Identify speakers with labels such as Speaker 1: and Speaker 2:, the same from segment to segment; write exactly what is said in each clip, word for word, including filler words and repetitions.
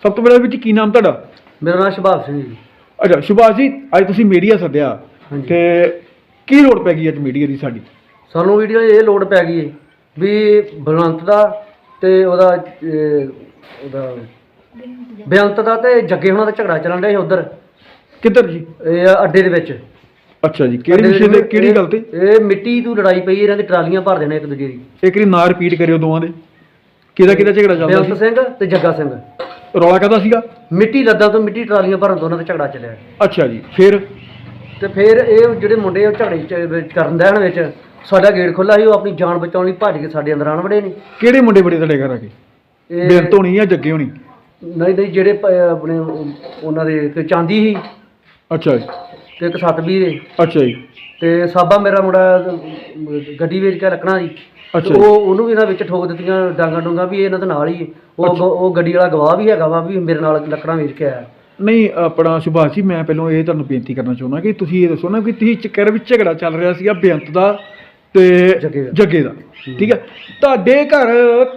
Speaker 1: ਸਭ ਤੋਂ ਪਹਿਲਾਂ ਵਿੱਚ ਕੀ ਨਾਮ ਤੁਹਾਡਾ?
Speaker 2: ਮੇਰਾ ਨਾਮ ਸੁਭਾਸ਼ ਸਿੰਘ ਜੀ।
Speaker 1: ਅੱਛਾ ਸੁਭਾਸ਼ ਜੀ, ਅੱਜ ਤੁਸੀਂ ਮੀਡੀਆ ਸੱਦਿਆ ਤੇ ਕੀ ਲੋੜ ਪੈ ਗਈ ਅੱਜ ਮੀਡੀਆ ਦੀ? ਸਾਡੀ
Speaker 2: ਸਾਨੂੰ ਵੀਡੀਓ ਇਹ ਲੋੜ ਪੈ ਗਈ ਵੀ ਬਲਵੰਤ ਦਾ ਤੇ ਉਹਦਾ ਅਹ, ਉਹਦਾ ਬੇਅੰਤ ਦਾ ਤੇ ਜੱਗੇ ਹੋਣਾ ਦਾ ਝਗੜਾ ਚੱਲਣ ਡਿਆ ਸੀ ਉਧਰ
Speaker 1: ਕਿੱਧਰ ਜੀ?
Speaker 2: ਇਹ ਅੱਡੇ ਦੇ ਵਿੱਚ।
Speaker 1: ਅੱਛਾ ਜੀ, ਕਿਹੜੀ ਵਿਸ਼ੇ ਤੇ ਕਿਹੜੀ ਗੱਲ ਤੇ?
Speaker 2: ਇਹ ਮਿੱਟੀ ਤੋਂ ਲੜਾਈ ਪਈ, ਇਹਨਾਂ ਦੀ ਟਰਾਲੀਆਂ ਭਰ ਦੇਣੇ ਇੱਕ ਦੂਜੇ ਦੀ।
Speaker 1: ਇੱਕ ਵਾਰੀ ਨਾਂ ਰਿਪੀਟ ਕਰਿਓ ਦੋਵਾਂ ਦੇ, ਕਿਹਦਾ ਕਿਹਦਾ ਝਗੜਾ ਚੱਲਦਾ
Speaker 2: ਬੇਅੰਤ
Speaker 1: ਸੀ?
Speaker 2: ਸਿੰਘ ਤੇ ਜੱਗਾ ਸਿੰਘ।
Speaker 1: ਰੌਲਾ ਕਾਹਦਾ ਸੀਗਾ?
Speaker 2: ਮਿੱਟੀ ਲੱਦਾਂ ਤੋਂ ਮਿੱਟੀ ਟਰਾਲੀਆਂ ਭਰਨ ਤੋਂ ਉਹਨਾਂ ਦਾ ਝਗੜਾ ਚੱਲਿਆ।
Speaker 1: ਅੱਛਾ ਜੀ, ਫਿਰ?
Speaker 2: ਤੇ ਫਿਰ ਇਹ ਜਿਹੜੇ ਮੁੰਡੇ ਉਹ ਝਗੜੇ ਚ ਵਿੱਚ ਕਰਨ ਦੇਣ ਵਿੱਚ ਸਾਡਾ ਗੇਟ ਖੁੱਲਾ ਸੀ, ਉਹ ਆਪਣੀ ਜਾਨ ਬਚਾਉਣ ਲਈ ਭੱਜ ਕੇ ਸਾਡੇ ਅੰਦਰ ਆਣ ਵੜੇ ਨੇ।
Speaker 1: ਕਿਹੜੇ ਮੁੰਡੇ ਬੜੇ ਤੁਹਾਡੇ ਘਰ ਆ ਕੇ?
Speaker 2: ਇਹ
Speaker 1: ਬੇਅੰਤ ਹੋਣੀ ਜਾਂ ਜੱਗੇ ਹੋਣੀ?
Speaker 2: ਨਹੀਂ ਨਹੀਂ ਜਿਹੜੇ ਪ- ਆਪਣੇ ਉਹ- ਉਹਨਾਂ ਦੇ ਇੱਕ ਚਾਂਦੀ ਸੀ
Speaker 1: ਅੱਛਾ ਜੀ,
Speaker 2: ਤੇ ਇੱਕ ਸਤਬੀਰ ਸੀ
Speaker 1: ਅੱਛਾ ਜੀ,
Speaker 2: ਤੇ ਸਾਬਾ ਮੇਰਾ ਮੁੰਡਾ ਅਹ, ਗੱਡੀ ਵੇਚ ਕੇ ਰੱਖਣਾ ਸੀ।
Speaker 1: ਅੱਛਾ
Speaker 2: ਤੇ
Speaker 1: ਜੀ।
Speaker 2: ਉਹ ਉਹਨੂੰ ਵੀ ਇਹਨਾਂ ਵਿੱਚ ਠੋਕ ਦਿੱਤੀਆਂ ਡਾਂਗਾ ਡੂੰਗਾ ਵੀ ਇਹ ਇਹਨਾਂ ਦੇ ਨਾਲ ਹੀ ਹੈ। ਉਹ ਗ- ਉਹ ਗੱਡੀ ਵਾਲਾ ਗਵਾਹ ਵੀ ਹੈਗਾ ਵਾ ਵੀ ਮੇਰੇ ਨਾਲ ਲੱਕੜਾਂ ਵੇਚ ਕੇ ਆਇਆ।
Speaker 1: ਨਹੀਂ ਆਪਣਾ ਸੁਭਾਸ਼ ਜੀ, ਮੈਂ ਪਹਿਲਾਂ ਇਹ ਤੁਹਾਨੂੰ ਬੇਨਤੀ ਕਰਨਾ ਚਾਹੁੰਦਾ ਕਿ ਤੁਸੀਂ ਇਹ ਦੱਸੋ ਨਾ ਕਿ ਤੁਸੀਂ ਚੱਕਰ ਵਿੱਚ ਝਗੜਾ ਚੱਲ ਰਿਹਾ ਸੀਗਾ ਬੇਅੰਤ ਦਾ ਤੇ
Speaker 2: ਜੱਗੇ ਦਾ।
Speaker 1: ਜੱਗੇ ਦਾ, ਠੀਕ ਹੈ? ਤੁਹਾਡੇ ਘਰ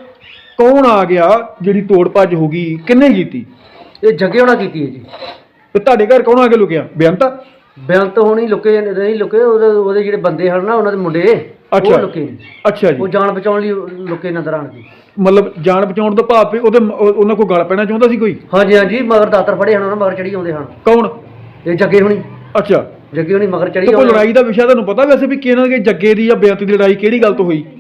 Speaker 1: ਕੌਣ ਆ ਗਿਆ ਜਿਹੜੀ ਤੋੜ ਭੱਜ ਹੋ ਗਈ? ਕਿੰਨੇ ਕੀਤੀ?
Speaker 2: ਇਹ ਜੱਗੇ ਹੋਣਾ ਕੀਤੀ ਹੈ ਜੀ।
Speaker 1: ਤੇ ਤੁਹਾਡੇ ਘਰ ਕੌਣ ਆ ਕੇ ਲੁਕਿਆ? ਬੇਅੰਤ?
Speaker 2: ਬੇਅੰਤ ਹੋਣੀ ਲੁਕੇ ਨਹੀਂ ਲੁਕੇ, ਉਹਦੇ ਉਹਦੇ ਜਿਹੜੇ ਬੰਦੇ ਹਨ ਨਾ ਉਹਨਾਂ ਦੇ ਮੁੰਡੇ
Speaker 1: ਅੱਛਾ।
Speaker 2: ਉਹ ਲੁਕੇ ਨੇ।
Speaker 1: ਅੱਛਾ ਜੀ,
Speaker 2: ਉਹ ਜਾਨ ਬਚਾਉਣ ਲਈ ਲੁਕੇ ਨਜ਼ਰ ਆਣ ਕੇ।
Speaker 1: ਮਤਲਬ ਜਾਨ ਬਚਾਉਣ ਤੋਂ ਭਾਵ ਵੀ ਉਹਦੇ ਉਹ- ਉਹਨਾਂ ਕੋਲ ਗਲ ਪੈਣਾ ਚਾਹੁੰਦਾ ਸੀ ਕੋਈ?
Speaker 2: ਹਾਂਜੀ ਹਾਂਜੀ, ਮਗਰ ਦਾਤਰ ਫੜੇ ਹਨ, ਉਹਨਾਂ ਮਗਰ ਚੜੀ ਆਉਂਦੇ ਹਨ।
Speaker 1: ਕੌਣ?
Speaker 2: ਇਹ ਜੱਗੇ ਹੋਣੀ
Speaker 1: ਅੱਛਾ,
Speaker 2: ਜੱਗੇ ਹੋਣੀ ਮਗਰ ਚੜੀ
Speaker 1: ਤੇ ਕੋਈ
Speaker 2: ਆਉਂਦੇ।
Speaker 1: ਲੜਾਈ ਦਾ ਵਿਸ਼ਾ ਤੁਹਾਨੂੰ ਪਤਾ ਵੈਸੇ ਵੀ ਕਿਹਨਾਂ ਦੇ ਜੱਗੇ ਦੀ ਜਾਂ ਬੇਅੰਤ ਦੀ ਲੜਾਈ ਕਿਹੜੀ ਗੱਲ ਤੋਂ ਹੋਈ?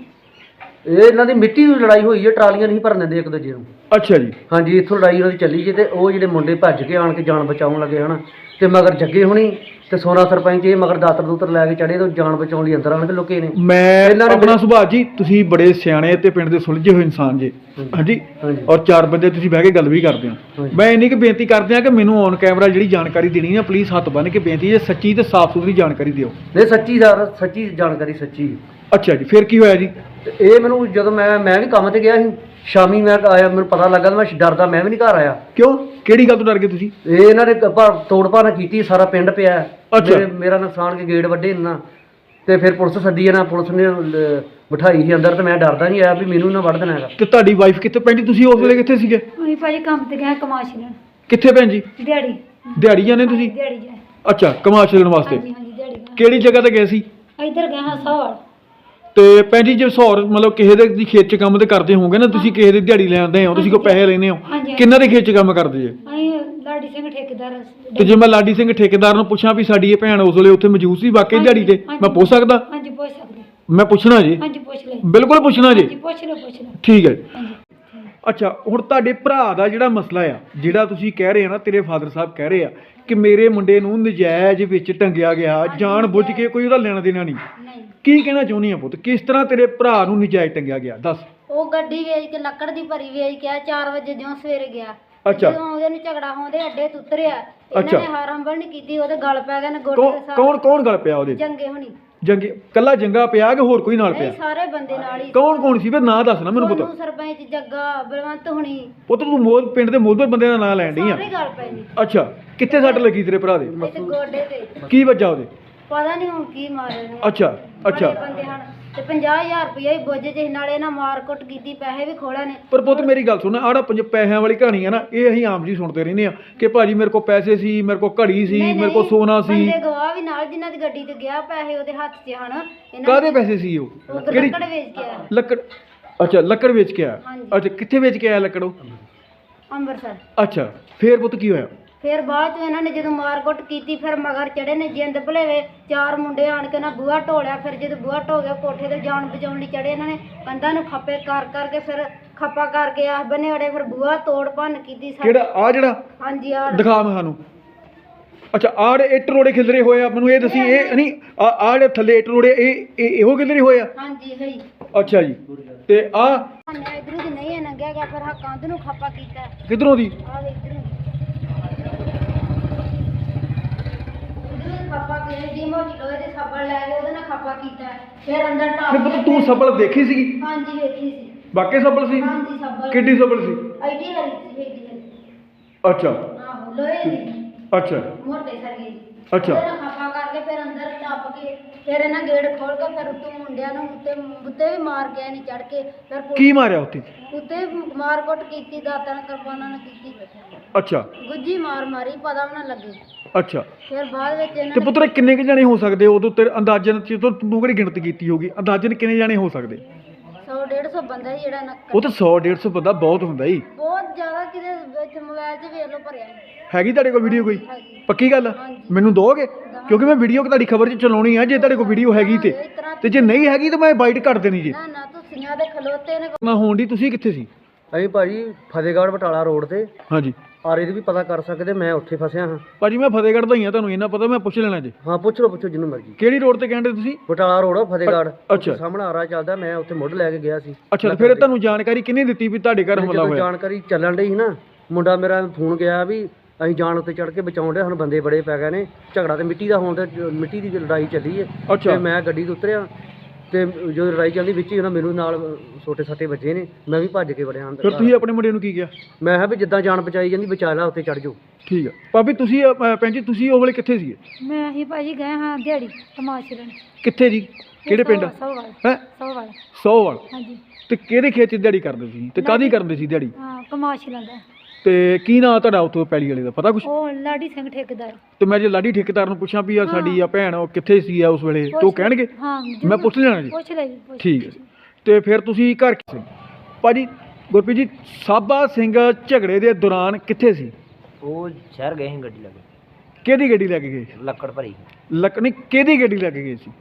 Speaker 2: ਇਹ ਇਹਨਾਂ ਦੀ ਮਿੱਟੀ ਦੀ ਲੜਾਈ ਹੋਈ ਹੈ, ਟਰਾਲੀਆਂ ਨਹੀਂ ਭਰਨ ਦਿੰਦੇ ਇੱਕ ਦੂਜੇ ਨੂੰ।
Speaker 1: ਅੱਛਾ ਜੀ,
Speaker 2: ਹਾਂਜੀ, ਇੱਥੋਂ ਲੜਾਈ ਉਹਨਾਂ ਦੀ ਚੱਲੀ ਜੇ ਤੇ ਉਹ ਜਿਹੜੇ ਮੁੰਡੇ ਭੱਜ ਕੇ ਆਣ ਕੇ ਜਾਨ ਬਚਾਉਣ ਲੱਗੇ ਹਨ ਤੇ ਮਗਰ ਜੱਗੇ ਹੋਣੀ ਤੇ ਸੋਨਾ ਸਰਪੰਚ ਇਹ ਮਗਰ ਦਾਤਰ ਦੂਤਰ ਲੈ ਕੇ ਚੜੇ ਤੇ ਜਾਨ ਬਚਾਉਣ ਲਈ ਅੰਦਰ ਆਣ ਕੇ ਲੁਕੇ ਨੇ।
Speaker 1: ਮੈਂ
Speaker 2: ਇਹਨਾਂ ਨੇ
Speaker 1: ਆਪਣਾ ਸੁਭਾਅ ਜੀ, ਤੁਸੀਂ ਬੜੇ ਸਿਆਣੇ ਤੇ ਪਿੰਡ ਦੇ ਸੁਲਝੇ ਹੋਏ ਇਨਸਾਨ ਜੇ, ਹਾਂਜੀ,
Speaker 2: ਹਾਂਜੀ।
Speaker 1: ਔਰ ਚਾਰ ਬੰਦੇ ਤੁਸੀਂ ਬਹਿ ਕੇ ਗੱਲ ਵੀ ਕਰਦੇ ਹੋ।
Speaker 2: ਹਾਂਜੀ।
Speaker 1: ਮੈਂ ਇੰਨੀ ਕਿ ਬੇਨਤੀ ਕਰਦੇ ਆ ਕਿ ਮੈਨੂੰ ਔਨ ਕੈਮਰਾ ਜਿਹੜੀ ਜਾਣਕਾਰੀ ਦੇਣੀ ਹੈ ਪਲੀਜ਼ ਹੱਥ ਬੰਨ੍ਹ ਕੇ ਬੇਨਤੀ ਹੈ, ਸੱਚੀ ਤੇ ਸਾਫ਼ ਸੁਥਰੀ ਜਾਣਕਾਰੀ ਦਿਓ।
Speaker 2: ਨਹੀਂ ਸੱਚੀ ਸਰ, ਸੱਚੀ ਜਾਣਕਾਰੀ ਸੱਚੀ।
Speaker 1: ਅੱਛਾ ਜੀ, ਫਿਰ ਕੀ ਹੋਇਆ ਜੀ?
Speaker 2: ਤੇ ਇਹ ਮੈਨੂੰ ਜਦੋਂ ਮੈਂ ਮੈਂ ਵੀ ਕੰਮ ਤੇ ਗਿਆ ਸੀ, ਸ਼ਾਮੀ ਮੈਂ ਆਇਆ, ਮੈਨੂੰ ਪਤਾ ਲੱਗਾ ਤੇ ਮੈਂ ਡਰਦਾ ਮੈਂ ਵੀ ਨਹੀਂ ਘਰ ਆਇਆ।
Speaker 1: ਕਿਉਂ? ਕਿਹੜੀ ਗੱਲ ਤੋਂ ਡਰ ਗਏ ਤੁਸੀਂ?
Speaker 2: ਇਹ ਇਹਨਾਂ ਨੇ ਭ- ਤੋੜ ਭੰਨ ਕੀਤੀ, ਸਾਰਾ ਪਿੰਡ ਪਿਆ।
Speaker 1: ਅੱਛਾ।
Speaker 2: ਮੇਰੇ- ਮੇਰਾ ਨੁਕਸਾਨ ਕੇ ਗੇਟ ਵੱਡੇ ਨਾ ਤੇ ਫਿਰ ਪੁਲਿਸ ਸੱਦੀ ਨਾ, ਪੁਲਿਸ ਨੇ ਲ- ਬਿਠਾਈ ਸੀ ਅੰਦਰ ਤੇ ਮੈਂ ਡਰਦਾ ਨਹੀਂ ਆਇਆ ਵੀ ਮੈਨੂੰ ਨਾ ਵੜ ਦੇਣਾ ਹੈਗਾ।
Speaker 1: ਤੇ ਤੁਹਾਡੀ ਵਾਈਫ ਕਿੱਥੇ? ਭੈਣ ਜੀ ਤੁਸੀਂ ਉਸ ਵੇਲੇ ਕਿੱਥੇ ਸੀਗੇ?
Speaker 3: ਅਸੀਂ ਭਾਜੀ ਕੰਮ ਤੇ ਗਏ ਕਮਾਸ਼ ਲੈਣ।
Speaker 1: ਕਿੱਥੇ ਭੈਣ ਜੀ?
Speaker 3: ਦਿਹਾੜੀ
Speaker 1: ਦਿਹਾੜੀ ਜਾਂਦੇ ਤੁਸੀਂ?
Speaker 3: ਦਿਹਾੜੀ ਜਾਏ।
Speaker 1: ਅੱਛਾ, ਕਮਾਸ਼ ਲੈਣ ਵਾਸਤੇ
Speaker 3: ਹਾਂਜੀ ਹਾਂਜੀ ਦਿਹਾੜੀ ਗਏ।
Speaker 1: ਕਿਹੜੀ ਜਗ੍ਹਾ ਤੇ ਗਏ ਸੀ?
Speaker 3: ਇੱਧਰ ਗਏ ਹਾਂ ਸੌੜ।
Speaker 1: ਤੇ ਭੈਣ ਜੀ ਜੇ ਸੌਰ ਮਤਲਬ ਕਿਸੇ ਦੇ ਦੀ ਖੇਤ 'ਚ ਕੰਮ ਤੇ ਕਰਦੇ ਹੋਵੋਗੇ ਨਾ ਤੁਸੀਂ, ਕਿਸੇ ਦੀ ਦਿਹਾੜੀ ਲੈਂਦੇ ਹੋ, ਤੁਸੀਂ ਕੋਈ ਪੈਸੇ ਲੈਂਦੇ ਹੋ,
Speaker 3: ਹਾਂਜੀ।
Speaker 1: ਕਿੰਨਾਂ ਦੇ ਖੇਤ 'ਚ ਕੰਮ ਕਰਦੇ ਜੇ?
Speaker 3: ਅਸੀਂ ਲਾਡੀ ਸਿੰਘ ਠੇਕੇਦਾਰ।
Speaker 1: ਤੇ ਜੇ ਮੈਂ ਲਾਡੀ ਸਿੰਘ ਠੇਕੇਦਾਰ ਨੂੰ ਪੁੱਛਾਂ ਵੀ ਸਾਡੀ ਇਹ ਭੈਣ ਉਸ ਵੇਲੇ ਉੱਥੇ ਮੌਜੂਦ ਸੀ ਵਾਕਈ ਦਿਹਾੜੀ ਤੇ, ਮੈਂ ਪੁੱਛ ਸਕਦਾ?
Speaker 3: ਹਾਂਜੀ ਪੁੱਛ ਸਕਦੇ।
Speaker 1: ਮੈਂ ਪੁੱਛਣਾ ਜੀ,
Speaker 3: ਹਾਂਜੀ ਪੁੱਛ ਲੈ।
Speaker 1: ਬਿਲਕੁਲ ਪੁੱਛਣਾ ਜੀ।
Speaker 3: ਹਾਂਜੀ ਪੁੱਛ ਲਓ ਪੁੱਛ ਲਓ।
Speaker 1: ਠੀਕ ਹੈ ਜੀ।
Speaker 3: ਹਾਂਜੀ।
Speaker 1: ਅੱਛਾ, ਹੁਣ ਤੁਹਾਡੇ ਭਰਾ ਦਾ ਜਿਹੜਾ ਮਸਲਾ ਆ, ਜਿਹੜਾ ਤੁਸੀਂ ਕਹਿ ਰਹੇ ਆ ਨਾ, ਤੇਰੇ ਫਾਦਰ ਸਾਹਿਬ ਕਹਿ ਰਹੇ ਆ ਕਿ ਮੇਰੇ ਮੁੰਡੇ ਨੂੰ ਨਜਾਇਜ਼ ਵਿੱਚ ਟੰਗਿਆ ਗਿਆ, ਜਾਣ ਬੁੱਝ ਕੇ, ਕੋਈ ਉਹਦਾ ਲੈਣਾ ਦੇਣਾ ਨਹੀਂ।
Speaker 3: ਨਹੀਂ,
Speaker 1: ਕੀ ਕਹਿਣਾ ਚਾਹੁੰਦੀ ਆ ਪੁੱਤ, ਕਿਸ ਤਰ੍ਹਾਂ ਤੇਰੇ ਭਰਾ ਨੂੰ ਨਜਾਇਜ਼ ਟੰਗਿਆ ਗਿਆ? ਦੱਸ।
Speaker 3: ਉਹ ਗੱਡੀ ਵੇਚ ਕੇ ਲੱਕੜ ਦੀ ਭਰੀ ਵੇਚ ਕੇ ਚਾਰ ਵਜੇ ਜਿਉਂ ਸਵੇਰੇ ਗਿਆ।
Speaker 1: ਅੱਛਾ।
Speaker 3: ਜਦੋਂ ਉਹਦੇ ਨੂੰ ਝਗੜਾ ਹੋਂਦੇ ਅੱਡੇ ਤੋਂ ਉਤਰਿਆ,
Speaker 1: ਅੱਛਾ।
Speaker 3: ਇਹਨਾਂ ਨੇ ਹਾਰੰਬਲ ਨਹੀਂ ਕੀਤੀ, ਉਹਦੇ ਗਲ ਪੈ ਗਏ ਨੇ ਗੋਡੇ
Speaker 1: ਕੌਣ
Speaker 3: ਦੇ ਸਾਹ।
Speaker 1: ਕੌਣ ਕੌਣ ਗੱਲ ਪਿਆ ਉਹਦੇ?
Speaker 3: ਜੰਗੇ ਹੋਣੀ।
Speaker 1: ਜੰਗੇ ਕੱਲਾ ਜੰਗਾ ਪਿਆ ਕਿ ਹੋਰ ਕੋਈ ਨਾਲ
Speaker 3: ਨਹੀਂ
Speaker 1: ਪਿਆ?
Speaker 3: ਸਾਰੇ ਬੰਦੇ ਨਾਲ ਹੀ।
Speaker 1: ਕੌਣ ਕੌਣ ਸੀ? ਫਿਰ ਨਾਂ ਦੱਸ ਨਾ ਮੈਨੂੰ
Speaker 3: ਸੋਨੂੰ
Speaker 1: ਪੁੱਤ।
Speaker 3: ਸਰਪੰਚ ਜੱਗਾ ਬਲਵੰਤ ਹੁਣੀ
Speaker 1: ਪੁੱਤ ਤੂੰ ਮੋਦ ਪਿੰਡ ਦੇ ਮੋਦਬਰ ਬੰਦੇ ਦਾ ਨਾਂ ਲੈਣ ਡਈ ਆ?
Speaker 3: ਸਾਰੇ ਗੱਲ ਪੈ ਨੇ।
Speaker 1: ਅੱਛਾ, ਕਿੱਥੇ ਸੱਟ ਲੱਗੀ ਤੇਰੇ ਭਰਾ ਦੇ?
Speaker 3: ਇੱਥੇ ਗੋਡੇ ਤੇ।
Speaker 1: ਕੀ ਵੱਜਾ ਉਹਦੇ?
Speaker 3: ਪਤਾ ਨਹੀਂ ਹੁਣ ਕੀ ਮਾਰੇ ਨੇ।
Speaker 1: ਅੱਛਾ ਅੱਛਾ।
Speaker 3: ਬੜੇ ਬੰਦੇ ਹਨ ਤੇ ਪੰਜਾਹ ਹਜ਼ਾਰ ਰੁਪਇਆ ਹੀ ਬੋਝੇ ਚ ਨਾਲੇ ਨਾ ਮਾਰ ਕੁੱਟ ਕੀਤੀ, ਪੈਸੇ ਵੀ ਖੋਲੇ ਨੇ।
Speaker 1: ਪਰ ਪੁੱਤ ਮੇਰੀ ਗੱਲ ਸੁਣ, ਆੜਾ ਪੰਜ ਪੈਸਿਆਂ ਵਾਲੀ ਕਹਾਣੀ ਆ ਨਾ, ਇਹ ਅਸੀਂ ਆਮ ਜੀ ਸੁਣਦੇ ਰਹਿੰਦੇ ਆ ਕਿ ਭਾਜੀ ਮੇਰੇ ਕੋਲ ਪੈਸੇ ਸੀ, ਮੇਰੇ ਕੋਲ ਘੜੀ ਸੀ,
Speaker 3: ਨਹੀਂ,
Speaker 1: ਮੇਰੇ ਕੋਲ
Speaker 3: ਨਹੀਂ,
Speaker 1: ਸੋਨਾ ਸੀ।
Speaker 3: ਬੰਦੇ ਗਵਾਹ ਵੀ ਨਾਲ ਜਿਨ੍ਹਾਂ ਦੀ ਗੱਡੀ ਤੇ ਗਿਆ, ਪੈਸੇ ਉਹਦੇ ਹੱਥ 'ਚ ਹਨ। ਇਹਨਾਂ
Speaker 1: ਕਾਹਦੇ
Speaker 3: ਨੇ-
Speaker 1: ਪੈਸੇ ਸੀ ਉਹ?
Speaker 3: ਉਹ
Speaker 1: ਕਿਹੜੀ
Speaker 3: ਲੱਕੜ ਵੇਚ ਕੇ ਆਇਆ
Speaker 1: ਲੱਕੜ? ਅੱਛਾ, ਲੱਕੜ ਵੇਚ ਕੇ ਆਇਆ।
Speaker 3: ਹਾਂਜੀ।
Speaker 1: ਅੱਛਾ, ਕਿੱਥੇ ਵੇਚ ਕੇ ਆਇਆ ਲੱਕੜ ਉਹ?
Speaker 3: ਅੰਮ੍ਰਿਤਸਰ।
Speaker 1: ਅੱਛਾ, ਫੇਰ ਪੁੱਤ ਕੀ ਹੋਇਆ?
Speaker 3: ਫਿਰ ਬਾਅਦ ਚ ਇਹਨਾਂ ਨੇ ਜਦੋਂ ਮਾਰ ਕੁੱਟ ਕੀਤੀ, ਫਿਰ ਮਗਰ ਚੜੇ ਨੇ ਜਿੰਦ ਭਲੇਵੇ, ਚਾਰ ਮੁੰਡੇ ਆਣ ਕੇ ਨਾ ਬੂਹਾ ਢੋਲਿਆ। ਫਿਰ ਜਦੋਂ ਬੂਹਾ ਢੋ ਗਿਆ, ਕੋਠੇ ਤੇ ਜਾਨ ਬਚਾਉਣ ਲਈ ਚੜੇ ਇਹਨਾਂ ਨੇ, ਕੰਧਾਂ ਨੂੰ ਖੱਪੇ ਕਰ ਕਰਕੇ ਫਿਰ ਖੱਪਾ ਕਰਕੇ ਆਹ ਬੰਨੇ ਅੜੇ, ਫਿਰ ਬੂਹਾ ਤੋੜ ਭੰਨ ਕੀਤੀ ਸਾਡੇ।
Speaker 1: ਕਿਹੜਾ ਆ ਜਿਹੜਾ?
Speaker 3: ਹਾਂਜੀ ਆ
Speaker 1: ਦਿਖਾ ਮੈਂ ਸਾਨੂੰ। ਅੱਛਾ, ਆੜ ਇੱਟ ਰੋੜੇ ਖਿਲਰੇ ਹੋਏ ਆ, ਮੈਨੂੰ ਇਹ ਦੱਸੀ, ਇਹ ਨਹੀਂ ਆ ਆੜੇ ਥੱਲੇ ਇੱਟ ਰੋੜੇ, ਇਹ ਇਹ ਇਹੋ ਖਿਲਰੇ ਹੋਏ ਆ?
Speaker 3: ਹਾਂਜੀ ਹੈ।
Speaker 1: ਅੱਛਾ ਜੀ, ਤੇ ਆ
Speaker 3: ਇਧਰੋਂ ਦੀ ਨਹੀਂ ਲੰਘਿਆ ਗਿਆ, ਫਿਰ ਹਾਂ ਕੰਧ ਨੂੰ ਖੱਪਾ ਕੀਤਾ।
Speaker 1: ਕਿਧਰੋਂ ਦੀ?
Speaker 3: ਆ ਵੇ ਇਧਰੋਂ ਇਧਰੋਂ ਖੱਪਾ ਕੀਤਾ, ਦੀ ਮੋਟੀ ਲੋਹੇ ਦੇ ਸੱਬਲ ਲੈ ਕੇ ਉਹਦੇ ਨਾਲ ਖੱਪਾ ਕੀਤਾ। ਫਿਰ ਅੰਦਰ
Speaker 1: ਫਿਰ
Speaker 3: ਟਾਪ
Speaker 1: ਪੁੱਤ ਤੂੰ ਸੱਬਲ ਦੇਖੀ ਸੀਗੀ?
Speaker 3: ਹਾਂਜੀ ਵੇਖੀ ਸੀ।
Speaker 1: ਵਾਕਈ ਸੱਬਲ ਸੀ?
Speaker 3: ਹਾਂਜੀ ਸੱਬਲ।
Speaker 1: ਕਿੱਡੀ ਸੱਬਲ ਸੀ?
Speaker 3: ਆਈਡੀ ਹਰੀ ਸੀ, ਆਈਡੀ ਹਰੀ।
Speaker 1: ਅੱਛਾ
Speaker 3: ਆਹੋ ਲੋਹੇ ਦੀ
Speaker 1: ਅੱਛਾ
Speaker 3: ਮੋਟੇ ਸਰਗੇ ਦੀ।
Speaker 1: ਅੱਛਾ।
Speaker 3: ਉਹਦੇ ਨਾਲ ਖੱਪਾ ਕਰਕੇ ਫਿਰ ਅੰਦਰ ਟੱਪ ਕੇ, ਫਿਰ ਇਹਨਾਂ ਗੇਟ ਖੋਲ ਕੇ, ਫਿਰ ਉੱਤੋਂ ਮੁੰਡਿਆਂ ਨੂੰ ਉੱਤੇ ਉੱਤੇ ਵੀ ਮਾਰ ਕੇ ਨਹੀਂ ਚੜ ਕੇ, ਫਿਰ ਪੁ-
Speaker 1: ਕੀ ਮਾਰਿਆ ਉੱਥੇ?
Speaker 3: ਉੱਤੇ ਵੀ ਮਾਰ ਕੁੱਟ ਕੀਤੀ, ਦਾਤਾਂ ਨਾਲ ਕਿਰਪਾਨਾਂ ਨਾਲ ਕੀਤੀ।
Speaker 1: ਅੱਛਾ
Speaker 3: ਗੁੱਜੀ ਮਾਰ ਮਾਰੀ ਪਤਾ ਵੀ ਨਾ ਲੱਗੇ।
Speaker 1: ਅੱਛਾ
Speaker 3: ਫਿਰ ਬਾਅਦ ਵਿੱਚ ਇਹਨਾਂ
Speaker 1: ਤੇ
Speaker 3: ਨੇ
Speaker 1: ਪੁੱਤਰ ਕਿੰਨੇ ਕੁ ਜਾਣੇ ਹੋ ਸਕਦੇ ਉਦੋਂ ਤੇਰੇ ਅੰਦਾਜ਼ਨ ਚ ਤੂੰ ਤੂੰ ਕਿਹੜੀ ਗਿਣਤੀ ਕੀਤੀ ਹੋਗੀ ਅੰਦਾਜ਼ਨ ਕਿੰਨੇ ਜਾਣੇ ਹੋ ਸਕਦੇ?
Speaker 3: ਸੌ ਡੇਢ ਸੌ ਬੰਦਾ ਸੀ ਜਿਹੜਾ ਨਾ
Speaker 1: ਉਹ ਤਾਂ ਸੌ ਡੇਢ ਸੌ ਬੰਦਾ ਬਹੁਤ ਹੁੰਦਾ ਜੀ।
Speaker 3: ਬਹੁਤ ਜ਼ਿਆਦਾ ਕਿਤੇ ਵਿੱਚ ਮੋਬਾਈਲ 'ਚ ਵੇਖ ਲਓ ਭਰਿਆ ਸੀ।
Speaker 1: ਹੈਗੀ ਤੁਹਾਡੇ ਕੋਲ ਵੀਡੀਓ ਕੋਈ?
Speaker 3: ਹੈਗੀ।
Speaker 1: ਪੱਕੀ ਗੱਲ ਆ?
Speaker 3: ਹਾਂਜੀ।
Speaker 1: ਮੈਨੂੰ ਦੋਗੇ? ਕਿਉਂਕਿ ਮੈਂ ਵੀਡੀਓ ਤੁਹਾਡੀ ਖਬਰ 'ਚ ਚਲਾਉਣੀ ਆ, ਜੇ ਤੁਹਾਡੇ ਕੋਲ ਵੀਡੀਓ ਹੈਗੀ ਤੇ
Speaker 3: ਇਸ ਤਰ੍ਹਾਂ
Speaker 1: ਤੇ ਜੇ ਨਹੀਂ ਹੈਗੀ ਤਾਂ ਮੈਂ ਬਾਈਟ ਕਰ ਦੇਣੀ ਜੀ।
Speaker 3: ਨਾ ਨਾ ਤੁਸੀਂ ਦੇ ਖਲੋਤੇ ਨੇ।
Speaker 1: ਨਾ ਹੋਣ ਦੀ ਤੁਸੀਂ ਕਿੱਥੇ ਸੀ?
Speaker 2: ਅਸੀਂ ਭਾਜੀ ਫਤਿਹਗੜ੍ਹ ਬਟਾਲਾ ਰੋਡ ਤੇ
Speaker 1: ਹਾਂਜੀ
Speaker 2: ਆਰੇ ਦੀ ਵੀ ਪਤਾ ਕਰ ਸਕਦੇ, ਮੈਂ ਉੱਥੇ ਫਸਿਆ ਹਾਂ।
Speaker 1: ਭਾਜੀ ਮੈਂ ਫਤਿਹਗੜ੍ਹ ਦਾ ਹੀ ਆ, ਤੁਹਾਨੂੰ ਇਹਨਾਂ ਪਤਾ, ਮੈਂ ਪੁੱਛ ਲੈਣਾ ਜੀ।
Speaker 2: ਹਾਂ ਪੁੱਛ ਲਓ, ਪੁੱਛੋ ਜਿਹਨੂੰ ਮਰਜ਼ੀ।
Speaker 1: ਕਿਹੜੀ ਰੋਡ ਤੇ ਕਹਿੰਦੇ ਤੁਸੀਂ?
Speaker 2: ਬਟਾਲਾ ਰੋਡ ਫਤਿਹਗੜ੍ਹ।
Speaker 1: ਅੱਛਾ।
Speaker 2: ਉੱਥੇ ਸਾਹਮਣੇ ਆਰਾ ਚੱਲਦਾ, ਮੈਂ ਉੱਥੇ ਮੁੱਢ ਲੈ ਕੇ ਗਿਆ ਸੀ।
Speaker 1: ਅੱਛਾ ਤੇ ਫਿਰ ਤੁਹਾਨੂੰ ਜਾਣਕਾਰੀ ਕਿਹਨੇ ਦਿੱਤੀ ਵੀ ਤੁਹਾਡੇ ਘਰ ਹਮਲਾ
Speaker 2: ਜਦੋਂ
Speaker 1: ਹੋਇਆ?
Speaker 2: ਜਾਣਕਾਰੀ ਚੱਲਣ ਡਈ ਸੀ ਨਾ, ਮੁੰਡਾ ਮੇਰਾ ਫੋਨ ਗਿਆ ਵੀ ਅਸੀਂ ਜਾਣ ਉੱਤੇ ਚੜ੍ਹ ਕੇ ਬਚਾਉਣ ਦੇ, ਸਾਨੂੰ ਬੰਦੇ ਬੜੇ ਪੈ ਗਏ ਨੇ, ਝਗੜਾ ਤੇ ਮਿੱਟੀ ਦਾ ਹੋਣ ਤੇ ਮਿੱਟੀ ਦੀ ਲੜਾਈ ਚੱਲੀ ਹੈ।
Speaker 1: ਅੱਛਾ।
Speaker 2: ਤੇ ਮੈਂ ਗੱਡੀ ਤੋਂ ਉਤਰਿਆ ਤੇ ਜਦੋਂ ਲੜਾਈ ਚੱਲਦੀ ਵਿੱਚ ਹੀ ਉਹਨਾਂ ਮੈਨੂੰ ਨਾਲ ਛੋਟੇ ਸੱਟੇ ਵੱਜੇ ਨੇ, ਮੈਂ ਵੀ ਭੱਜ ਕੇ ਵੜਿਆ ਅੰਦਰ।
Speaker 1: ਫਿਰ ਤੁਸੀਂ ਆਪਣੇ ਮੁੰਡੇ ਨੂੰ ਕੀ ਕਿਹਾ?
Speaker 2: ਮੈਂ ਕਿਹਾ ਵੀ ਜਿੱਦਾਂ ਜਾਨ ਬਚਾਈ ਜਾਂਦੀ ਬਚਾ ਲੈ, ਉੱਤੇ ਚੜ੍ਹ ਜਾਓ।
Speaker 1: ਠੀਕ ਆ ਭਾਬੀ ਤੁਸੀਂ ਅਹ, ਭੈਣ ਜੀ ਤੁਸੀਂ ਉਹ ਵੇਲੇ ਕਿੱਥੇ ਸੀਗੇ?
Speaker 3: ਮੈਂ ਅਸੀਂ ਭਾਜੀ ਗਏ ਹਾਂ ਦਿਹਾੜੀ ਤਮਾਸ਼ੇ ਲੈਣ।
Speaker 1: ਕਿੱਥੇ ਜੀ? ਕਿਹੜੇ ਪਿੰਡ?
Speaker 3: ਸੌਵਾਲ
Speaker 1: ਹੈ
Speaker 3: ਸੌਵਾਲ।
Speaker 1: ਸੌਵਾਲ।
Speaker 3: ਹਾਂਜੀ।
Speaker 1: ਤੇ ਕਿਹੜੇ ਖੇਤ 'ਚ ਦਿਹਾੜੀ ਕਰਦੇ ਸੀ ਤੇ ਕਾਹਦੀ ਕਰਦੇ ਸੀ ਦਿਹਾੜੀ?
Speaker 3: ਹਾਂ ਕਮਾਸ਼ ਲੈਂਦਾ।
Speaker 1: ਤੇ ਕੀ ਨਾਂ ਤੁਹਾਡਾ ਉੱਥੋਂ ਪੈਲੀ ਵਾਲੇ ਦਾ ਪਤਾ ਕੁਛ?
Speaker 3: ਉਹ ਲਾਡੀ ਸਿੰਘ ਠੇਕੇਦਾਰ।
Speaker 1: ਤੇ ਮੈਂ ਜੇ ਲਾਡੀ ਠੇਕੇਦਾਰ ਨੂੰ ਪੁੱਛਾਂ ਵੀ ਆ ਸਾਡੀ ਆ ਭੈਣ ਉਹ ਕਿੱਥੇ ਸੀ ਆ ਉਸ ਵੇਲੇ ਤੇ ਉਹ ਕਹਿਣਗੇ?
Speaker 3: ਹਾਂ
Speaker 1: ਮੈਂ ਪੁੱਛ ਲੈਣਾ ਜੀ।
Speaker 3: ਪੁੱਛ ਲੈ ਜੀ ਪੁੱਛ।
Speaker 1: ਠੀਕ ਹੈ ਜੀ। ਤੇ ਫਿਰ ਤੁਸੀਂ ਘਰ ਕਿਸੇ ਭਾਜੀ ਗੁਰਪ੍ਰੀਤ ਜੀ ਸਾਬਾ ਸਿੰਘ ਝਗੜੇ ਦੇ ਦੌਰਾਨ ਕਿੱਥੇ ਸੀ?
Speaker 2: ਉਹ ਸ਼ਹਿਰ ਗਏ ਸੀ ਗੱਡੀ ਲੈ ਕੇ,
Speaker 1: ਕਿਹਦੀ ਗੱਡੀ ਲੈ ਕੇ ਗਏ?
Speaker 2: ਲੱਕੜ ਭਰੀ।
Speaker 1: ਲੱਕਣੀ ਕਿਹਦੀ ਗੱਡੀ ਲੈ ਕੇ ਗਏ ਸੀ?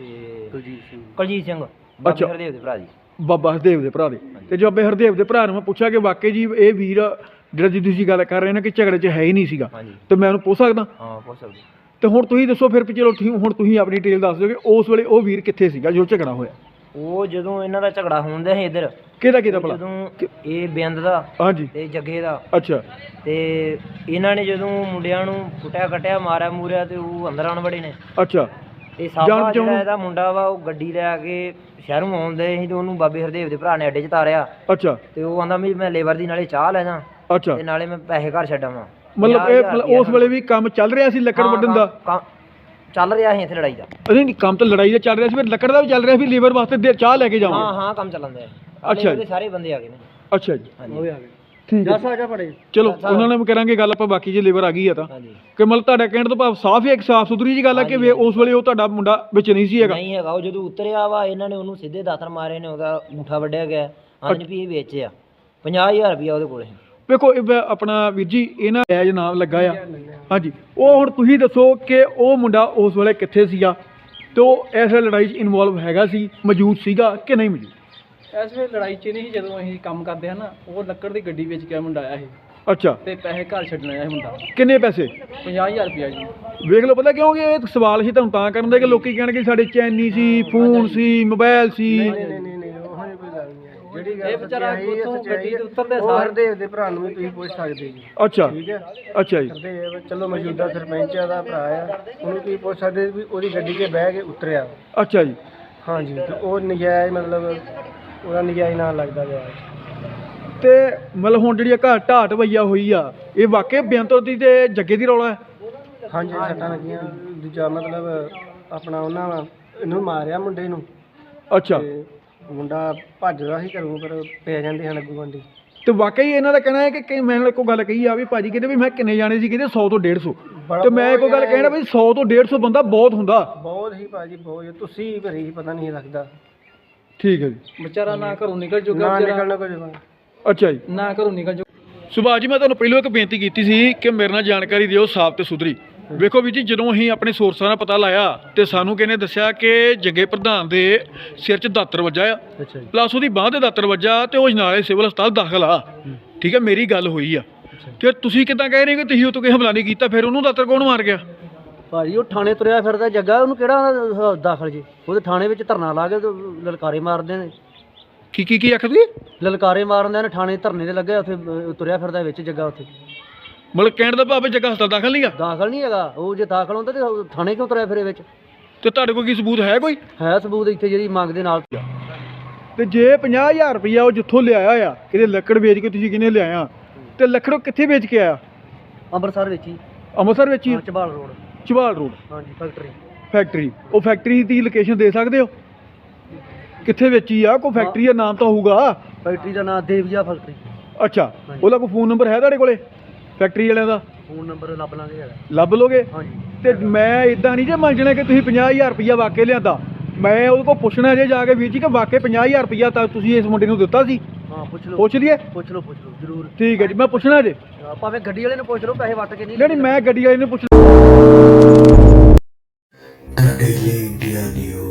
Speaker 2: ਕੁਲਜੀਤ ਸਿੰਘ। ਕੁਲਜੀਤ ਸਿੰਘ
Speaker 1: ਅੱਛਾ।
Speaker 2: ਹਰਦੇਵ ਦੇ ਭਰਾ ਦੀ।
Speaker 1: ਬਾਬਾ ਹਰਦੇਵ ਦੇ ਭਰਾ ਦੇ। ਤੇ ਜੋ ਬਾਬੇ ਹਰਦੇਵ ਦੇ ਭਰਾ ਨੂੰ ਮੈਂ ਪੁੱਛਿਆ ਕਿ ਵਾਕਈ ਜੀ ਇਹ ਵੀਰ ਜਿਹੜਾ ਜੀ ਤੁਸੀਂ ਗੱਲ ਕਰ ਰਹੇ ਨੇ ਕਿ ਝਗੜੇ 'ਚ ਹੈ ਹੀ ਨਹੀਂ ਸੀਗਾ,
Speaker 2: ਹਾਂਜੀ।
Speaker 1: ਤੇ ਮੈਂ ਉਹਨੂੰ ਪੁੱਛ ਸਕਦਾ?
Speaker 2: ਹਾਂ ਪੁੱਛ ਸਕਦੇ।
Speaker 1: ਤੇ ਹੁਣ ਤੁਸੀਂ ਦੱਸੋ ਫਿਰ ਵੀ ਚਲੋ ਠੀਕ, ਹੁਣ ਤੁਸੀਂ ਆਪਣੀ ਡਿਟੇਲ ਦੱਸ ਦਿਓ ਕਿ ਉਸ ਵੇਲੇ ਉਹ ਵੀਰ ਕਿੱਥੇ ਸੀਗਾ ਜੋ ਝਗੜਾ ਹੋਇਆ?
Speaker 2: ਉਹ ਜਦੋਂ ਇਹਨਾਂ ਦਾ ਝਗੜਾ ਹੁੰਦਾ ਸੀ ਇੱਧਰ,
Speaker 1: ਕਿਹਦਾ ਕਿਹਦਾ ਭਲਾ?
Speaker 2: ਜਦੋਂ ਇਹ ਬਿੰਦ ਦਾ
Speaker 1: ਹਾਂਜੀ
Speaker 2: ਤੇ ਜੱਗੇ ਦਾ,
Speaker 1: ਅੱਛਾ
Speaker 2: ਤੇ ਇਹਨਾਂ ਨੇ ਜਦੋਂ ਮੁੰਡਿਆਂ ਨੂੰ ਕੁੱਟਿਆ ਕੱਟਿਆ ਮਾਰਿਆ ਮੂਰਿਆ ਤੇ ਉਹ ਅੰਦਰ ਆਣ ਵੜੇ ਨੇ।
Speaker 1: ਅੱਛਾ
Speaker 2: ਤੇ
Speaker 1: ਜਾਣ
Speaker 2: ਸਾਬਾ
Speaker 1: ਬਚਾਉਣ-
Speaker 2: ਜਿਹੜਾ ਇਹਦਾ ਮੁੰਡਾ ਵਾ ਉਹ ਗੱਡੀ ਲੈ ਕੇ ਸ਼ਹਿਰੋਂ ਆਉਂਦੇ ਸੀ ਤੇ ਉਹਨੂੰ ਬਾਬੇ ਹਰਦੇਵ ਦੇ ਭਰਾ ਨੇ ਅੱਡੇ 'ਚ ਤਾਰਿਆ
Speaker 1: ਅੱਛਾ
Speaker 2: ਤੇ ਉਹ ਆਂਦਾ ਵੀ ਮੈਂ ਲੇਬਰ ਦੀ ਨਾਲੇ ਚਾਹ ਲੈ ਜਾ
Speaker 1: ਅੱਛਾ
Speaker 2: ਤੇ ਨਾਲੇ ਮੈਂ ਪੈਸੇ ਘਰ ਛੱਡਾਂ।
Speaker 1: ਮਤਲਬ ਇਹ ਮਤਲਬ ਉਸ ਵੇਲੇ ਵੀ ਕੰਮ ਚੱਲ ਰਿਹਾ ਸੀ ਲੱਕੜ ਵੱਢਣ ਦਾ?
Speaker 2: ਚੱਲ ਰਿਹਾ ਸੀ ਇੱਥੇ ਲੜਾਈ ਦਾ।
Speaker 1: ਅਰੇ ਨਹੀਂ ਕੰਮ ਤਾਂ ਲੜਾਈ ਦਾ ਚੱਲ ਰਿਹਾ ਸੀ, ਫਿਰ ਲੱਕੜ ਦਾ ਵੀ ਚੱਲ ਰਿਹਾ ਸੀ, ਲੀਵਰ ਵਾਸਤੇ ਦੇ- ਚਾਹ ਲੈ ਕੇ
Speaker 2: ਹਾਂ
Speaker 1: ਜਾਵਾਂਗੇ।
Speaker 2: ਹਾਂ ਕੰਮ ਚੱਲਣ ਦਾ।
Speaker 1: ਅੱਛਾ ਜੀ।
Speaker 2: ਸਾਰੇ ਬੰਦੇ ਆ ਗਏ ਨੇ।
Speaker 1: ਅੱਛਾ ਜੀ
Speaker 2: ਹਾਂਜੀ ਉਹ ਵੀ ਆ ਗਏ।
Speaker 1: ਠੀਕ ਹੈ।
Speaker 2: ਦਸ ਆ ਜਾ ਪੜੇ।
Speaker 1: ਚਲੋ ਉਹਨਾਂ ਨਾਲ ਵੀ ਕਰਾਂਗੇ ਗੱਲ ਆਪਾਂ, ਬਾਕੀ ਜੇ ਲੀਵਰ ਆ ਗਈ ਆ ਤਾਂ
Speaker 2: ਹਾਂਜੀ
Speaker 1: ਕਿ ਮਤਲਬ ਤੁਹਾਡਾ ਕਹਿਣ ਤੋਂ ਭਾਵ ਸਾਫ਼ ਹੀ ਇੱਕ ਸਾਫ਼ ਸੁਥਰੀ ਜੀ ਗੱਲ ਆ ਕਿ ਵੀ ਉਸ ਵੇਲੇ ਉਹ ਤੁਹਾਡਾ ਮੁੰਡਾ ਵਿੱਚ ਨਹੀਂ ਸੀ ਹੈਗਾ?
Speaker 2: ਨਹੀਂ ਹੈਗਾ। ਉਹ ਜਦੋਂ ਉਤਰਿਆ ਵਾ ਇਹਨਾਂ ਨੇ ਉਹਨੂੰ ਸਿੱਧੇ ਦਾਤਰ ਮਾਰੇ ਨੇ, ਉਹਦਾ ਅੰਗੂਠਾ ਵੱਢਿਆ ਗਿਆ। ਹਾਂਜੀ ਵੀ ਇਹ ਵੇਚਿਆ ਪੰਜਾਹ ਹਜ਼ਾਰ ਰੁਪਇਆ ਉਹਦੇ ਕੋਲੇ।
Speaker 1: ਵੇਖੋ ਇਹ ਬ- ਆਪਣਾ ਵੀਰ ਜੀ ਇਹਨਾਂ ਐਜ ਨਾਮ ਲੱਗਾ ਆ। ਹਾਂਜੀ ਉਹ ਹੁਣ ਤੁਸੀਂ ਦੱਸੋ ਕਿ ਉਹ ਮੁੰਡਾ ਉਸ ਵੇਲੇ ਕਿੱਥੇ ਸੀਗਾ ਤੇ ਉਹ ਇਸ ਲੜਾਈ 'ਚ ਇਨਵੋਲਵ ਹੈਗਾ ਸੀ, ਮੌਜੂਦ ਸੀਗਾ ਕਿ ਨਹੀਂ ਮੌਜੂਦ?
Speaker 4: ਇਸ ਵੇਲੇ ਲੜਾਈ 'ਚ ਨਹੀਂ ਸੀ। ਜਦੋਂ ਅਸੀਂ ਕੰਮ ਕਰਦੇ ਹਾਂ ਨਾ, ਉਹ ਲੱਕੜ ਦੀ ਗੱਡੀ ਵੇਚ ਕੇ ਮੁੰਡਾ ਆਇਆ ਸੀ
Speaker 1: ਅੱਛਾ
Speaker 4: ਤੇ ਪੈਸੇ ਘਰ ਛੱਡਣ ਆਇਆ ਸੀ ਮੁੰਡਾ।
Speaker 1: ਕਿੰਨੇ ਪੈਸੇ?
Speaker 4: ਪੰਜਾਹ ਹਜ਼ਾਰ ਰੁਪਇਆ ਜੀ।
Speaker 1: ਵੇਖ ਲਓ ਪਤਾ ਕਿਉਂਕਿ ਇਹ ਸਵਾਲ ਸੀ ਤੁਹਾਨੂੰ ਤਾਂ ਕਰਨ ਦੇ ਕਿ ਲੋਕੀ ਕਹਿਣਗੇ ਸਾਡੇ ਚੈਨੀ ਸੀ, ਫੋਨ ਸੀ, ਮੋਬਾਈਲ ਸੀ।
Speaker 2: ਨਹੀਂ ਨਹੀਂ ਨਹੀਂ ਉਹ ਨਹੀਂ ਕੋਈ ਗੱਲ ਨਹੀਂ ਹੈ। ਜਿਹੜੀ
Speaker 4: ਇਹ ਵਿਚਾਰਾ ਉੱਥੋਂ ਗੱਡੀ ਤੋਂ ਉਤਰਦੇ ਸਾਰ
Speaker 2: ਹਰਦੇਵ ਦੇ ਭਰਾ ਨੂੰ ਵੀ ਤੁਸੀਂ ਪੁੱਛ ਸਕਦੇ ਜੀ।
Speaker 1: ਅੱਛਾ
Speaker 2: ਠੀਕ ਹੈ।
Speaker 1: ਅੱਛਾ ਜੀ
Speaker 2: ਹਰਦੇਵ ਚਲੋ ਮੌਜੂਦਾ ਸਰਪੰਚ ਦਾ ਭਰਾ ਆ, ਉਹਨੂੰ ਤੁਸੀਂ ਪੁੱਛ ਸਕਦੇ ਵੀ ਉਹਦੀ ਗੱਡੀ 'ਤੇ ਬਹਿ ਕੇ ਉਤਰਿਆ।
Speaker 1: ਅੱਛਾ ਜੀ
Speaker 2: ਹਾਂਜੀ ਤੇ ਉਹ ਨਜਾਇਜ਼ ਮਤਲਬ ਉਹਦਾ ਨਜਾਇਜ਼ ਨਾਂ ਲੱਗਦਾ ਗਿਆ।
Speaker 1: ਤੇ ਮਤਲਬ ਹੁਣ ਜਿਹੜੀ ਇਹ ਘਰ ਢਾਟ ਵਈਆ ਹੋਈ ਆ, ਇਹ ਵਾਕਿਆ ਬੇਅੰਤਰ ਦੀ ਤੇ ਜੱਗੇ ਦੀ ਰੌਲਾ ਹੈ?
Speaker 2: ਹਾਂਜੀ ਸੱਟਾਂ ਲੱਗੀਆਂ। ਦੂਜਾ ਮਤਲਬ ਆਪਣਾ ਉਹਨਾਂ ਇਹਨੂੰ ਮਾਰਿਆ ਮੁੰਡੇ ਨੂੰ
Speaker 1: ਅੱਛਾ
Speaker 2: ਤੇ ਮੁੰਡਾ ਭੱਜਦਾ ਸੀ ਘਰੋਂ, ਪਰ ਪੈ ਜਾਂਦੇ ਹਨ ਅੱਗੂ ਗੰਢੀ।
Speaker 1: ਤੇ ਵਾਕਈ ਇਹਨਾਂ ਦਾ ਕਹਿਣਾ ਹੈ ਕਿ ਕਿ ਮੈਂ ਇੱਕ ਗੱਲ ਕਹੀ ਆ ਵੀ ਭਾਜੀ ਕਹਿੰਦੇ ਵੀ ਮੈਂ ਕਿੰਨੇ ਜਾਣੇ ਸੀ, ਕਹਿੰਦੇ ਸੌ ਤੋਂ ਡੇਢ ਸੌ। ਤੇ ਮੈਂ ਕੋਈ ਗੱਲ ਕਹਿਣਾ ਵੀ ਸੌ ਤੋਂ ਡੇਢ ਸੌ ਬੰਦਾ ਬਹੁਤ ਹੁੰਦਾ।
Speaker 2: ਬਹੁਤ ਹੀ ਭਾਜੀ ਬਹੁਤ। ਤੁਸੀਂ ਭਰੀ ਸੀ, ਪਤਾ ਨਹੀਂ ਲੱਗਦਾ।
Speaker 1: ਠੀਕ ਹੈ ਜੀ।
Speaker 4: ਵਿਚਾਰਾ ਨਾ ਘਰੋਂ ਨਿਕਲ ਚੁੱਕਾ,
Speaker 2: ਨਾ
Speaker 4: ਵਿਚਾਰਾ
Speaker 2: ਨਿਕਲਣਾ ਕੁਝ।
Speaker 1: ਅੱਛਾ ਜੀ।
Speaker 4: ਨਾ ਘਰੋਂ ਨਿਕਲ ਚੁੱਕਾ।
Speaker 1: ਸੁਭਾਸ਼ ਜੀ ਮੈਂ ਤੁਹਾਨੂੰ ਪਹਿਲਾਂ ਇੱਕ ਬੇਨਤੀ ਕੀਤੀ ਸੀ ਕਿ ਮੇਰੇ ਨਾਲ ਜਾਣਕਾਰੀ ਦਿਓ ਸਾਫ਼ ਤੇ ਸੁਥਰੀ। ਵੇਖੋ ਵੀ ਜੀ ਜਦੋਂ ਅਸੀਂ ਆਪਣੇ ਸੋਰਸਾਂ ਦਾ ਪਤਾ ਲਾਇਆ ਤੇ ਸਾਨੂੰ ਕਿਹਨੇ ਦੱਸਿਆ ਕਿ ਜੱਗੇ ਪ੍ਰਧਾਨ ਦੇ ਸਿਰ 'ਚ ਦਾਤਰ ਵੱਜਾ ਆ,
Speaker 2: ਅੱਛਾ ਜੀ।
Speaker 1: ਪਲੱਸ ਉਹਦੀ ਬਾਂਹ ਤੇ ਦਾਤਰ ਵੱਜਾ ਤੇ ਉਹ ਜਨਾਲੇ ਸਿਵਲ ਹਸਪਤਾਲ ਦਾਖਲ ਆ। ਠੀਕ ਹੈ, ਮੇਰੀ ਗੱਲ ਹੋਈ ਆ। ਤੇ ਤੁਸੀਂ ਕਿੱਦਾਂ ਕਹਿ ਰਹੇ ਕਿ ਤੁਸੀਂ ਉਹ ਤੋਂ ਕੋਈ ਹਮਲਾ ਨਹੀਂ ਕੀਤਾ, ਫਿਰ ਉਹਨੂੰ ਦਾਤਰ ਕੌਣ ਮਾਰ ਗਿਆ?
Speaker 2: ਭਾਜੀ ਉਹ ਥਾਣੇ ਤੁਰਿਆ ਫਿਰਦਾ ਜੱਗਾ, ਉਹਨੂੰ ਕਿਹੜਾ ਦਾਖਲ ਜੀ? ਉਹਦੇ ਥਾਣੇ ਵਿੱਚ ਧਰਨਾ ਲਾ ਕੇ ਲਲਕਾਰੇ ਮਾਰਦੇ ਨੇ।
Speaker 1: ਕੀ ਕੀ ਕੀ ਆਖਦੀ?
Speaker 2: ਲਲਕਾਰੇ ਮਾਰਦੇ ਨੇ, ਥਾਣੇ ਧਰਨੇ ਤੇ ਲੱਗੇ ਉੱਥੇ ਤੁਰਿਆ ਫਿਰਦਾ ਵਿੱਚ ਜੱਗਾ। ਉੱਥੇ
Speaker 1: ਮਤਲਬ ਕਹਿਣ ਦਾ ਭਾਵੇਂ ਜੱਗਾ ਹਸਪਤਾਲ ਦਾਖਲ ਨਹੀਂ ਆ?
Speaker 2: ਦਾਖਲ ਨਹੀਂ ਹੈਗਾ ਉਹ। ਜੇ ਦਾਖਲ ਹੁੰਦਾ ਤੇ ਥਾਣੇ ਕਿਉਂ ਤੁਰਿਆ ਫਿਰੇ ਵਿੱਚ?
Speaker 1: ਤੇ ਤੁਹਾਡੇ ਕੋਲ ਕੀ ਸਬੂਤ ਹੈ ਕੋਈ?
Speaker 2: ਹੈ ਸਬੂਤ ਇੱਥੇ ਜਿਹੜੀ ਮੰਗ ਦੇ ਨਾਲ।
Speaker 1: ਤੇ ਜੇ ਪੰਜਾਹ ਹਜ਼ਾਰ ਰੁਪਈਆ ਉਹ ਜਿੱਥੋਂ ਲਿਆਇਆ ਆ, ਕਿਤੇ ਲੱਕੜ ਵੇਚ ਕੇ ਤੁਸੀਂ ਕਿਹਨੇ ਲਿਆਇਆ, ਤੇ ਲੱਕੜ ਉਹ ਕਿੱਥੇ ਵੇਚ ਕੇ ਆਇਆ?
Speaker 2: ਅੰਮ੍ਰਿਤਸਰ ਵਿੱਚ ਹੀ।
Speaker 1: ਅੰਮ੍ਰਿਤਸਰ ਵਿੱਚ ਹੀ?
Speaker 2: ਚਬਾਲ ਰੋਡ।
Speaker 1: ਚਬਾਲ ਰੋਡ
Speaker 2: ਹਾਂਜੀ ਫੈਕਟਰੀ।
Speaker 1: ਫੈਕਟਰੀ। ਉਹ ਫੈਕਟਰੀ ਦੀ ਲੋਕੇਸ਼ਨ ਦੇ ਸਕਦੇ ਹੋ ਕਿੱਥੇ ਵੇਚੀ ਆ? ਕੋਈ ਫੈਕਟਰੀ ਦਾ ਨਾਮ ਤਾਂ ਹੋਊਗਾ।
Speaker 2: ਫੈਕਟਰੀ ਦਾ ਨਾਮ ਦੇਵੀਆ ਫੈਕਟਰੀ।
Speaker 1: ਅੱਛਾ, ਉਹਦਾ ਕੋਈ ਫੋਨ ਨੰਬਰ ਹੈ ਤੁਹਾਡੇ ਕੋਲੇ? ਫੈਕਟਰੀ ਵਾਲਿਆਂ ਦਾ
Speaker 2: ਫੋਨ ਨੰਬਰ ਲੱਭ ਲਾਂਗੇ ਹੈਗਾ।
Speaker 1: ਲੱਭ ਲੋਗੇ?
Speaker 2: ਹਾਂਜੀ।
Speaker 1: ਤੇ ਮੈਂ ਇਦਾਂ ਨਹੀਂ ਜੇ ਮੰਨਣਾ ਕਿ ਤੁਸੀਂ ਪੰਜਾਹ ਹਜ਼ਾਰ ਰੁਪਈਆ ਵਾਕੇ ਲਿਆਂਦਾ। ਮੈਂ ਉਹਦੇ ਕੋਲ ਪੁੱਛਣਾ ਜੇ ਜਾ ਕੇ ਵੀਰ ਜੀ ਕਿ ਵਾਕੇ ਪੰਜਾਹ ਹਜ਼ਾਰ ਰੁਪਈਆ ਤਾਂ ਤੁਸੀਂ ਇਸ ਮੁੰਡੇ ਨੂੰ ਦਿੱਤਾ ਸੀ?
Speaker 2: ਹਾਂ ਪੁੱਛ ਲਓ।
Speaker 1: ਪੁੱਛ ਲਈਏ?
Speaker 2: ਪੁੱਛ ਲਓ ਪੁੱਛ ਲਓ ਜ਼ਰੂਰ।
Speaker 1: ਠੀਕ ਹੈ ਜੀ, ਮੈਂ ਪੁੱਛਣਾ ਜੇ।
Speaker 2: ਹਾਂ, ਭਾਵੇਂ ਗੱਡੀ ਵਾਲੇ ਨੂੰ ਪੁੱਛ ਲਓ, ਪੈਸੇ ਵੱਟ ਕੇ ਨਹੀਂ
Speaker 1: ਨਹੀਂ ਨਹੀਂ, ਮੈਂ ਗੱਡੀ ਵਾਲੇ ਨੂੰ ਪੁੱਛ
Speaker 5: The Daily India News.